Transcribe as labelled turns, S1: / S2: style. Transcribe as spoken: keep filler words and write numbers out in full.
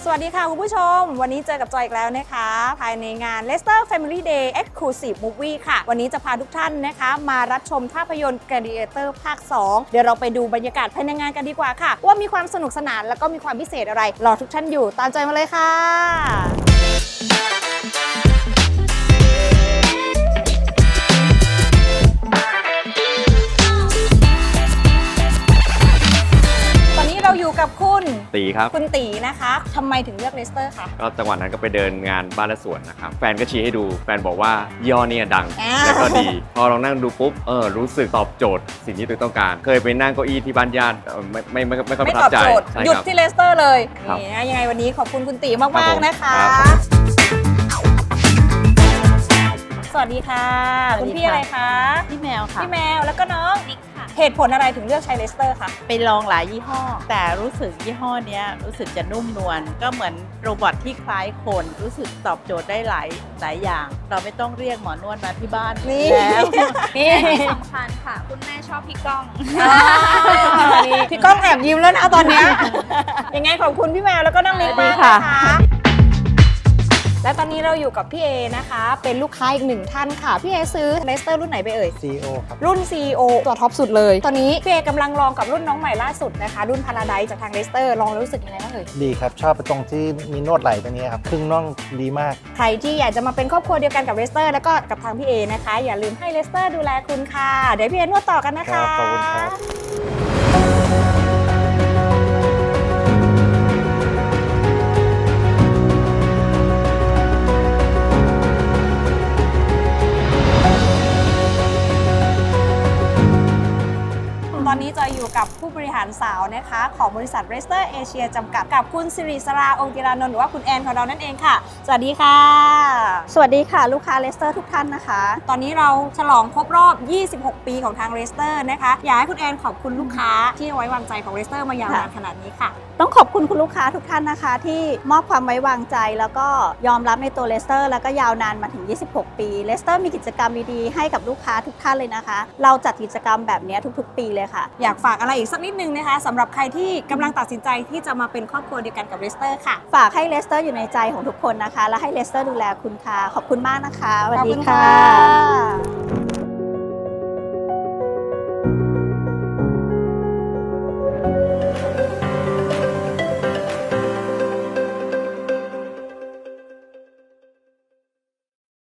S1: วัสดีค่ะคุณผู้ชมวันนี้เจอกับจอยอีกแล้วนะคะภายในงาน Leicester Family Day Exclusive Movie ค่ะวันนี้จะพาทุกท่านนะคะมารับชมภาพยนตร์ Gladiator ภาค สอง เดี๋ยวเราไปดูบรรยากาศภายในงานกันดีกว่าค่ะว่ามีความสนุกสนานแล้วก็มีความพิเศษอะไรรอทุกท่านอยู่ตามจอยมาเลยค่ะเราอยู่กับคุณ
S2: ตีครับ
S1: คุณตีนะคะทำไมถึงเลือกเลสเตอร์คะ
S2: ก็จังหวะนั้นก็ไปเดินงานบ้านและสวนนะครับแฟนก็ชี้ให้ดูแฟนบอกว่าย่อเนี่ยดังแล้วก็ดีพอลองนั่งดูปุ๊บเออรู้สึกตอบโจทย์สิ่งที่ตัวต้องการเคยไปนั่งเก้าอี้ที่บ้านญาติไม่ไม่ไม่ไม่ค่อยประทับใจ
S1: หยุดที่เลสเตอร์เลยนี่ยังไงวันนี้ขอบคุณคุณตีมากๆนะคะสวัสดีค่ะคุณพี่อะไรคะ
S3: พี่แมวค่ะ
S1: พี่แมวแล้วก็น้องนิกค่ะเหตุผลอะไรถึงเลือกใช้เลสเตอร์คะ
S3: ไปลองหลายยี่ห้อแต่รู้สึกยี่ห้อนี้รู้สึกจะนุ่มนวลก็เหมือนโรบอทที่คล้ายคนรู้สึกตอบโจทย์ได้หลายหลายอย่างเราไม่ต้องเรียกหมอนวดมาที่บ้านแล้ว
S4: นี่สำคัญค่ะคุณแม่ชอบพี่ก้อง
S1: พี่ก้องแอบยิ้มแล้วนะตอนนี้ยังไงขอบคุณพี่แมวแล้วก็น้องนิกมากนะคะและตอนนี้เราอยู่กับพี่เอนะคะเป็นลูกค้าอีกหนึ่งท่านค่ะพี่เอซื้อเลสเตอร์รุ่นไหนไปเอ่ย
S5: ซี โอ ครับ
S1: รุ่น ซี โอ ตัวท็อปสุดเลยตอนนี้พี่เอกำลังลองกับรุ่นน้องใหม่ล่าสุดนะคะรุ่นพาราไดซ์จากทางเลสเตอร์ลองแล้วรู้สึกยังไงบ้างเอ่ย
S5: ดีครับชอบไปตรงที่มีนวดไหล่ตัวนี้ครับครึ่งน่องดีมาก
S1: ใครที่อยากจะมาเป็นครอบครัวเดียวกันกับเลสเตอร์แล้วก็กับทางพี่เอนะคะอย่าลืมให้เลสเตอร์ดูแลคุณค่ะเดี๋ยวพี่เอนวดต่อกันนะคะ
S5: ขอบคุณครับ
S1: ตอนนี้จอยอยู่กับผู้บริหารสาวนะคะของบริษัท Leicester Asia จำกัดกับคุณสิริสราองค์กิรานนท์หรือว่าคุณแอนของเรานั่นเองค่ะสวัสดีค่ะ
S6: สวัสดีค่ะลูกค้า Leicester ทุกท่านนะคะ
S1: ตอนนี้เราฉลองครบรอบยี่สิบหกปีของทาง Leicester นะคะอยากให้คุณแอนขอบคุณลูกค้าที่ไว้วางใจของ Leicester มายาวนานขนาดนี้ค่ะ
S6: ต้องขอบคุณคุณลูกค้าทุกท่านนะคะที่มอบความไว้วางใจแล้วก็ยอมรับในตัว Leicester แล้วก็ยาวนานมาถึงยี่สิบหกปี Leicester มีกิจกรรมดีๆให้กับลูกค้าทุกท่านเลยนะคะเราจัดกิจกรรมแบบนี้ทุกๆปีเลยค่ะ
S1: อยากฝากอะไรอีกสักนิดนึงนะคะสำหรับใครที่กำลังตัดสินใจที่จะมาเป็นครอบครัวเดียวกันกับ Leicester ค่ะ
S6: ฝากให้ Leicester อยู่ในใจของทุกคนนะคะและให้ Leicester ดูแลคุณค่ะขอบคุณมากนะคะสวัสดีค่ะ